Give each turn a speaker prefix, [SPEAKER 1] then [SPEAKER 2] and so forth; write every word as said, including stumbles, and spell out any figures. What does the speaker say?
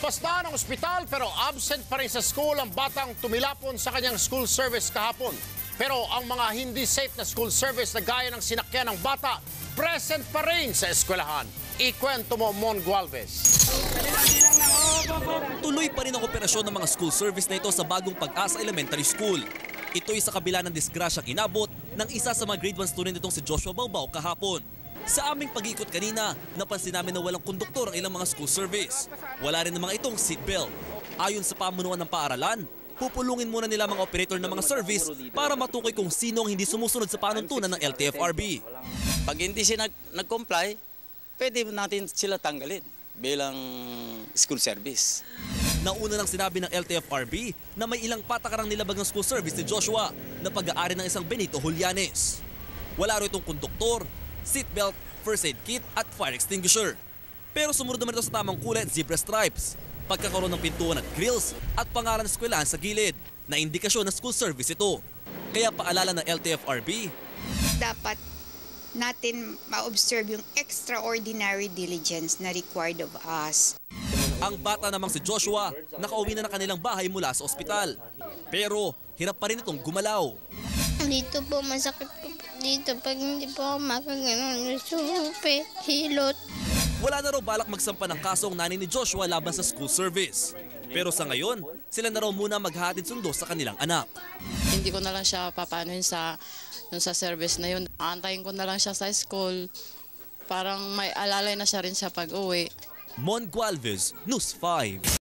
[SPEAKER 1] Lumabas na ng ospital pero absent pa rin sa school ang batang tumilapon sa kanyang school service kahapon. Pero ang mga hindi safe na school service na gaya ng sinakyan ng bata, present pa rin sa eskwelahan. Ikwento mo, Mon Gualvez.
[SPEAKER 2] Tuloy pa rin ang operasyon ng mga school service na ito sa Bagong Pag-asa Elementary School. Ito'y sa kabila ng disgrasyang inabot ng isa sa mga grade one student itong si Joshua Baubao kahapon. Sa aming pag-ikot kanina, napansin namin na walang konduktor ang ilang mga school service. Wala rin namang itong seatbelt. Ayon sa pamunuan ng paaralan, pupulungin muna nila mga operator ng mga service para matukoy kung sino ang hindi sumusunod sa panuntunan ng L T F R B.
[SPEAKER 3] Pag hindi siya nag-comply, pwede natin sila tanggalin bilang school service.
[SPEAKER 2] Nauna nang sinabi ng L T F R B na may ilang patakarang nilabag ng school service ni Joshua na pag-aari ng isang Benito Julianes. Wala rin itong konduktor, seatbelt, first aid kit at fire extinguisher. Pero sumunod naman ito sa tamang kulay at zebra stripes, pagkakaroon ng pintuan at grills at pangalan ng eskwelahan sa gilid na indikasyon na school service ito. Kaya paalala ng L T F R B,
[SPEAKER 4] dapat natin ma-observe yung extraordinary diligence na required of us.
[SPEAKER 2] Ang bata namang si Joshua, nakauwi na ng kanilang bahay mula sa ospital. Pero hirap pa rin itong gumalaw.
[SPEAKER 5] Dito po, masakit ko po dito pag hindi po ako makaganon. Supe, hilot.
[SPEAKER 2] Wala na raw balak magsampa ng kaso ang nanay ni Joshua laban sa school service. Pero sa ngayon, sila na raw muna maghahatid sundo sa kanilang anak.
[SPEAKER 6] Hindi ko na lang siya papanuhin sa, yung sa service na yun. Aantayin ko na lang siya sa school. Parang may alalay na siya rin siya pag uwi.
[SPEAKER 2] Mon Gualvez, News five.